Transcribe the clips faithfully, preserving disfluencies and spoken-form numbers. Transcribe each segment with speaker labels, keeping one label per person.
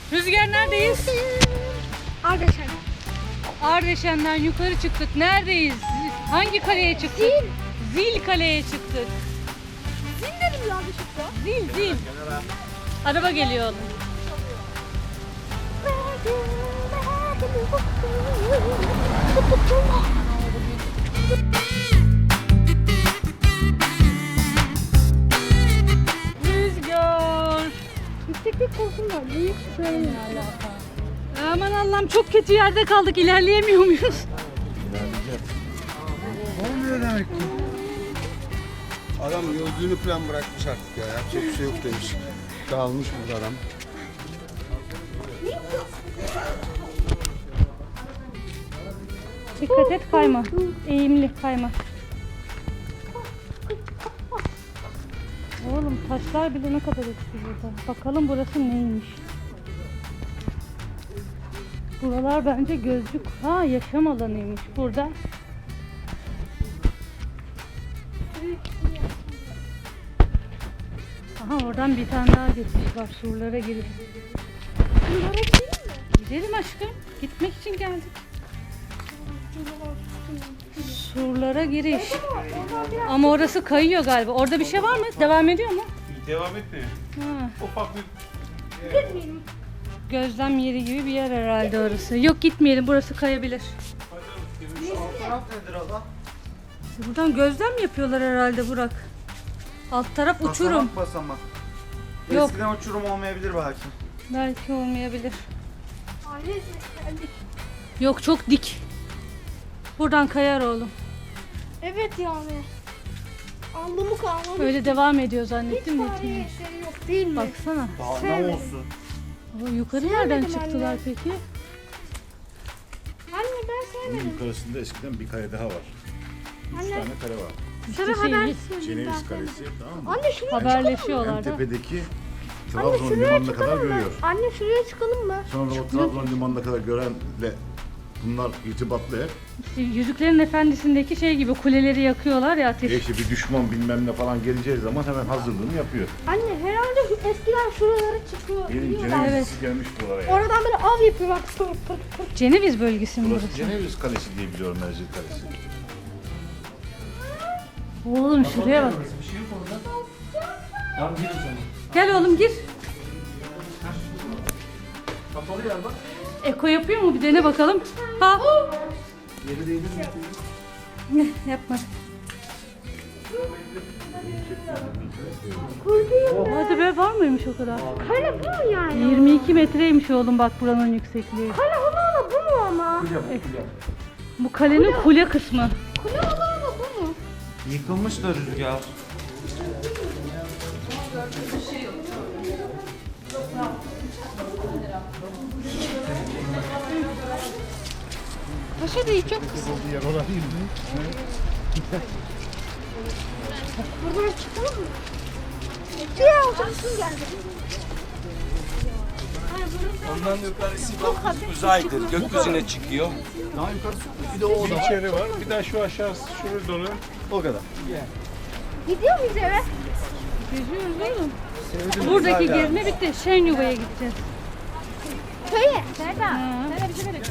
Speaker 1: Rüzgar neredeyiz?
Speaker 2: Ardeşen.
Speaker 1: Ardeşen'den yukarı çıktık. Neredeyiz? Hangi kaleye çıktık?
Speaker 2: Zil.
Speaker 1: Zil kaleye çıktık.
Speaker 2: Zil dedim yanlışlıkla.
Speaker 1: Zil zil. Araba geliyor oğlum. Rüzgar.
Speaker 2: Yükseklik korkum var. Büyük böyle.
Speaker 1: Aman Allah'ım çok kötü yerde kaldık. İlerleyemiyor muyuz?
Speaker 3: Olmuyor demek ki. Adam gözlüğünü falan bırakmış artık ya. Yapacak bir şey yok demiş. Dağılmış burada adam.
Speaker 1: Dikkat et kayma. Eğimli kayma. Oğlum taşlar bile ne kadar eski burada. Bakalım burası neymiş. Buralar bence gözlük. Ha yaşam alanıymış burada. Aha oradan bir tane daha geçiş var. Surlara girip.
Speaker 2: Bunlara gidelim mi?
Speaker 1: Gidelim aşkım. Gitmek için geldik. Surlara giriş. Ama orası kayıyor galiba. Orada bir şey var mı? Devam ediyor mu?
Speaker 4: Devam etmiyor.
Speaker 1: Ha,
Speaker 4: Ufak bir
Speaker 2: Gitmeyelim.
Speaker 1: gözlem yeri gibi bir yer herhalde orası. Yok gitmeyelim. Burası kayabilir.
Speaker 3: Taraf nedir abla?
Speaker 1: Buradan gözlem mi yapıyorlar herhalde Burak? Alt taraf uçurum.
Speaker 3: Basamak basamak.
Speaker 1: Yok.
Speaker 3: Eskiden uçurum olmayabilir belki.
Speaker 1: Belki olmayabilir.
Speaker 2: Aile geldik.
Speaker 1: Yok çok dik. Buradan kayar oğlum.
Speaker 2: Evet yani. Alnımı kalmamış.
Speaker 1: Öyle devam ediyor
Speaker 2: Hiç
Speaker 1: zannettim de.
Speaker 2: tarihi
Speaker 1: gitmiyor.
Speaker 2: şey yok değil mi?
Speaker 1: Baksana.
Speaker 3: Daha ne
Speaker 2: Sevmedim.
Speaker 3: olsun?
Speaker 1: O yukarı
Speaker 2: Sevmedim
Speaker 1: nereden
Speaker 2: anne.
Speaker 1: çıktılar peki?
Speaker 2: Anne ben
Speaker 4: bunun
Speaker 2: sevmedim.
Speaker 4: yukarısında eskiden bir kale daha var. Üç
Speaker 2: Anne.
Speaker 4: tane kale var.
Speaker 2: Sana
Speaker 1: İşte
Speaker 2: haber
Speaker 1: şey,
Speaker 2: söyleyeyim
Speaker 4: Ceneviz
Speaker 2: ben.
Speaker 4: Kalesi, tamam mı?
Speaker 2: Anne şuraya
Speaker 1: haberleşiyorlar
Speaker 4: En
Speaker 1: da.
Speaker 4: tepedeki
Speaker 2: Anne
Speaker 4: Trabzon
Speaker 2: şuraya
Speaker 4: limanına kadar
Speaker 2: çıkalım mı?
Speaker 4: görüyor.
Speaker 2: Anne şuraya çıkalım mı?
Speaker 4: Sonra o Trabzon limanına kadar görenle bunlar irtibatlı hep.
Speaker 1: İşte Yüzüklerin Efendisi'ndeki şey gibi kuleleri yakıyorlar ya
Speaker 4: E
Speaker 1: ateş.
Speaker 4: işte bir düşman bilmem ne falan geleceği zaman hemen hazırlığını yapıyor.
Speaker 2: Anne herhalde eskiden şuralara çıkıyor.
Speaker 4: Benim
Speaker 2: biliyorlar.
Speaker 4: Ceneviz
Speaker 1: Evet.
Speaker 4: gelmiş buralara yani.
Speaker 2: Oradan böyle av yapıyorlar. Pır pır pır.
Speaker 1: Ceneviz bölgesi mi
Speaker 4: Burası
Speaker 1: burası?
Speaker 4: Ceneviz Kalesi diye biliyorum, Mercek Kalesi.
Speaker 1: Oğlum şuraya bak. Gel oğlum gir.
Speaker 3: Kapalı yer bak.
Speaker 1: Eko yapıyor mu? Bir dene bakalım. Ha.
Speaker 3: Yeri değdi
Speaker 1: Ne yapma. Hadi be var mıymış o kadar?
Speaker 2: Kale bu mu yani?
Speaker 1: yirmi iki metreymiş oğlum bak buranın yüksekliği.
Speaker 2: Kale olan da bu mu ama?
Speaker 1: Bu kalenin kule kısmı.
Speaker 2: Kule olan da bu mu?
Speaker 3: Yıkılmış da rüzgar.
Speaker 2: Paşa değil çok kısa.
Speaker 4: Yer olabilir mi?
Speaker 2: Buradan çıkalım mı? Ya otursun geldi.
Speaker 5: Ondan yukarısı uzaydır. Gökyüzüne çıkıyor.
Speaker 3: Daha yukarısı bir de o
Speaker 4: Bir içeri var, bir daha şu aşağısı şuraya dolu.
Speaker 3: O kadar.
Speaker 2: Gidiyor muyuz eve?
Speaker 1: Geziyoruz oğlum.
Speaker 3: Sevdim.
Speaker 1: Buradaki
Speaker 3: güzel ya.
Speaker 1: gezme bitti. Şenyuva'ya gideceğiz.
Speaker 2: Köye.
Speaker 1: Serda. Serda bir şey ver.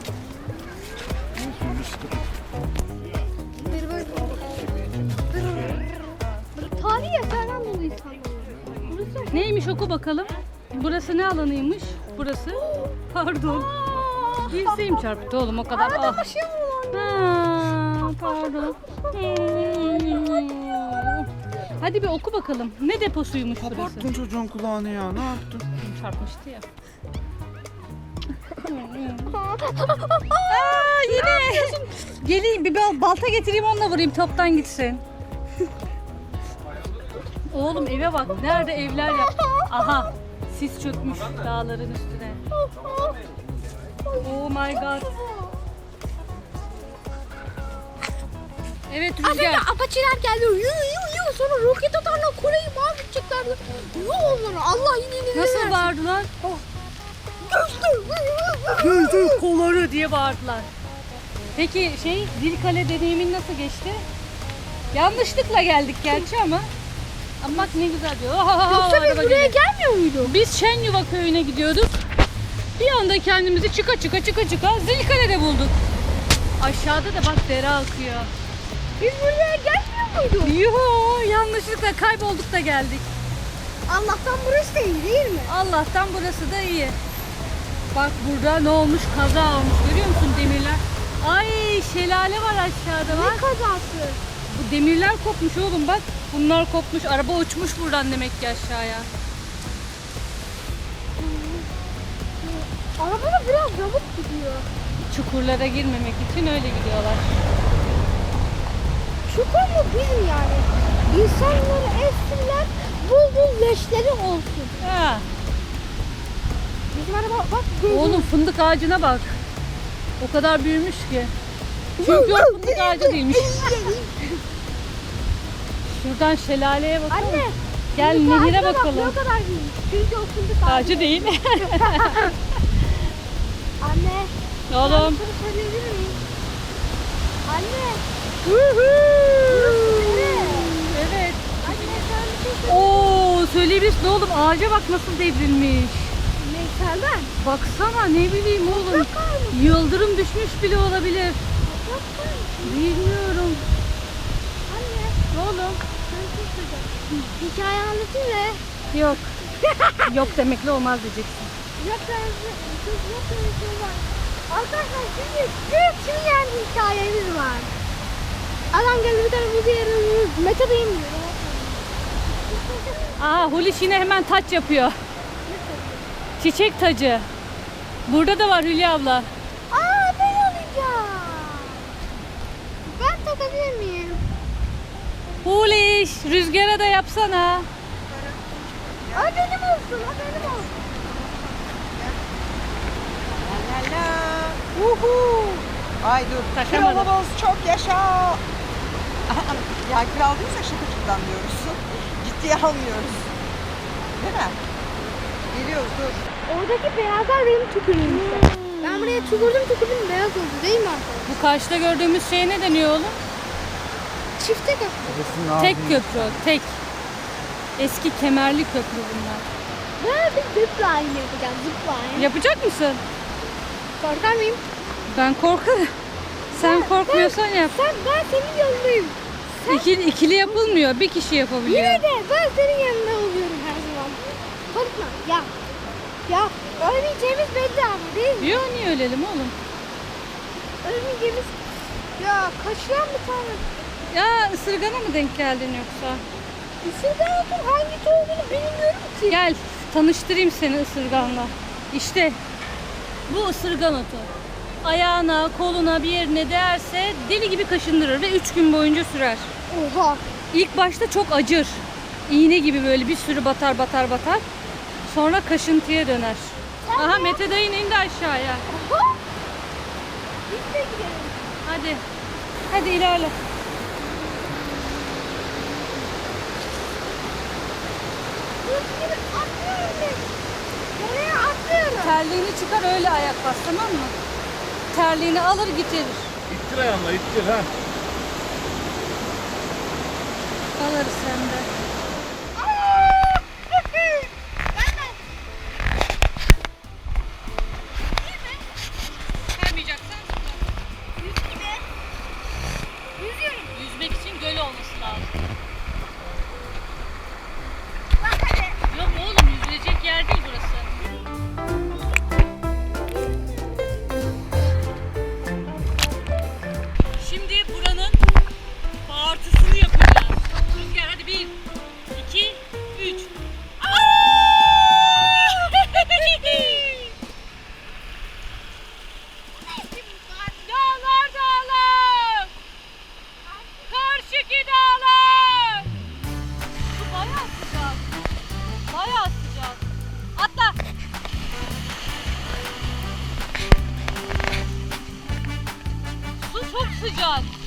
Speaker 2: Tarihi eserden dolayı sanırım. Burası
Speaker 1: Neymiş oku bakalım. Burası ne alanıymış? Burası. Pardon. Dirseğim çarptı oğlum o kadar.
Speaker 2: arada
Speaker 1: Ah.
Speaker 2: taşı mı var?
Speaker 1: Ha, pardon. Hmm. Hadi bir oku bakalım. Ne deposuymuş burası?
Speaker 3: Kapattın çocuğun kulağını ya. Ne yaptın?
Speaker 1: Çarpmıştı ya. Aa, yine. Geleyim bir bal- balta getireyim onunla vurayım toptan gitsin. Oğlum eve bak. Nerede evler yap. Aha. Sis çökmüş dağların üstüne. Oh my god. Evet
Speaker 2: Az önce
Speaker 1: Rüzgar.
Speaker 2: apaçiler geldi. Yu yu yu. Sonra roket atarla kuleyi mahvedeceklerdi. Yu onları. Allah yine
Speaker 1: Nasıl bağırdılar?
Speaker 2: Göster.
Speaker 1: Gözü kolları diye bağırdılar. Peki şey Zilkale deneyimin nasıl geçti? Yanlışlıkla geldik gerçi ama. Ama bak ne güzel diyor. Ohohoho,
Speaker 2: Yoksa biz
Speaker 1: araba
Speaker 2: buraya
Speaker 1: geliyor.
Speaker 2: gelmiyor muydu?
Speaker 1: Biz Şenyuva köyüne gidiyorduk. Bir anda kendimizi çıka çıka çıka çıka Zilkale'de bulduk. Aşağıda da bak dere akıyor.
Speaker 2: Biz buraya gelmiyor muyduk?
Speaker 1: Yuhu, yanlışlıkla kaybolduk da geldik.
Speaker 2: Allah'tan burası da iyi değil mi?
Speaker 1: Allah'tan burası da iyi. Bak burada ne olmuş? Kaza olmuş. Görüyor musun demirler? Ay şelale var aşağıda bak.
Speaker 2: Ne kazası?
Speaker 1: Bu demirler kopmuş oğlum bak. Bunlar kopmuş. Araba uçmuş buradan demek ki aşağıya.
Speaker 2: Araba da biraz yamuk gidiyor.
Speaker 1: Çukurlara girmemek için öyle gidiyorlar.
Speaker 2: Çukur mu bizim yani? İnsanları esirler, bul bul leşleri olsun.
Speaker 1: Ha.
Speaker 2: Bizim araba bak gözüm.
Speaker 1: Oğlum fındık ağacına bak. O kadar büyümüş ki. Çünkü o fındık ağacı değilmiş. Şuradan şelaleye bakalım.
Speaker 2: Anne.
Speaker 1: Gel
Speaker 2: fındık
Speaker 1: nehire
Speaker 2: ağacına bak,
Speaker 1: bakalım.
Speaker 2: Ne kadar büyümüş. Çünkü o fındık ağacı.
Speaker 1: Ağacı değil.
Speaker 2: Anne.
Speaker 1: Oğlum.
Speaker 2: Ben sana söyleyebilir miyim? Anne.
Speaker 1: Evet.
Speaker 2: Anne sen bir şey söyle.
Speaker 1: Oo söyleyebilirsin oğlum. Ağaca bak nasıl devrilmiş.
Speaker 2: Neyselden.
Speaker 1: Baksana ne bileyim oğlum.
Speaker 2: Bakar mısın?
Speaker 1: Yıldırım düşmüş bile olabilir.
Speaker 2: Bakar mısın?
Speaker 1: Bilmiyorum.
Speaker 2: Anne.
Speaker 1: Oğlum.
Speaker 2: Sen bir şey söyleyeceğim. Hikaye anlatayım mı?
Speaker 1: Yok. Yok demekle olmaz diyeceksin.
Speaker 2: Yok öyle yok öyle şey var. Arkadaşlar şimdi büyük şimdi yani bir hikayemiz var. Adam geldi bir tane buzu yarılıyor. Mete dayım diyor.
Speaker 1: Aa Hulusi yine hemen taç yapıyor. Çiçek tacı. Burada da var Hülya abla.
Speaker 2: Aa ben alacağım. Ben takabilir miyim?
Speaker 1: Hulusi rüzgara da yapsana.
Speaker 2: O benim olsun, o benim olsun.
Speaker 6: La la. Uhu. Ay dur.
Speaker 1: Taşamadım.
Speaker 6: Kralımız çok yaşa. Ya kralıysa şakacıktan diyoruz. Ciddiye almıyoruz. Değil mi? Geliyoruz dur.
Speaker 2: Oradaki beyazlar benim tükürüğüm işte. Ben buraya tükürdüm tükürdüm beyaz oldu değil mi arkadaşlar?
Speaker 1: Bu karşıda gördüğümüz şeye ne deniyor oğlum?
Speaker 2: Çifte köprü.
Speaker 1: Tek köprü, tek. Eski kemerli köprü bunlar.
Speaker 2: Ben bir zipline yapacağım zipline.
Speaker 1: Yapacak mısın?
Speaker 2: Korkar mıyım?
Speaker 1: Ben korkarım. Sen korkmuyorsan yap.
Speaker 2: Sen ben senin yanındayım.
Speaker 1: İkili, ikili yapılmıyor. Bir kişi yapabiliyor.
Speaker 2: Yine de ben senin yanında oluyorum her zaman. Korkma ya. Ya ölmeyeceğimiz belli ama değil mi?
Speaker 1: Yok niye ölelim oğlum?
Speaker 2: Ölmeyeceğimiz... Ya kaçıran bir tane.
Speaker 1: Ya ısırgana mı denk geldin yoksa?
Speaker 2: Isırganın hangisi olduğunu bilmiyorum ki.
Speaker 1: Gel tanıştırayım seni ısırganla. İşte bu ısırgan otu. Ayağına, koluna bir yerine değerse deli gibi kaşındırır ve üç gün boyunca sürer.
Speaker 2: Oha.
Speaker 1: İlk başta çok acır. İğne gibi böyle bir sürü batar batar batar. Sonra kaşıntıya döner. Aha Mete dayın indi aşağıya.
Speaker 2: Oha. Biz de gidelim.
Speaker 1: Hadi. Hadi ilerle.
Speaker 2: Hız gibi atlıyorum ben. Nereye atlıyorum?
Speaker 1: Terliğini çıkar öyle ayak bas tamam mı? Terliğini alır getirir.
Speaker 4: İttir ayağınla ittir ha.
Speaker 1: Alırız sen de. Kaymayacaksan
Speaker 2: Yüzüyorum.
Speaker 1: yüzmek için göl olması lazım.
Speaker 2: Bak hadi.
Speaker 1: Yok oğlum yüzülecek yer değil burası. Şimdi buranın bağırtısını yapacağız. Rüzgar hadi bir, iki, üç. Dağlar dağlar. Karşıki dağlar. Su bayağı sıcak. Bayağı sıcak. Atla. Su çok sıcak.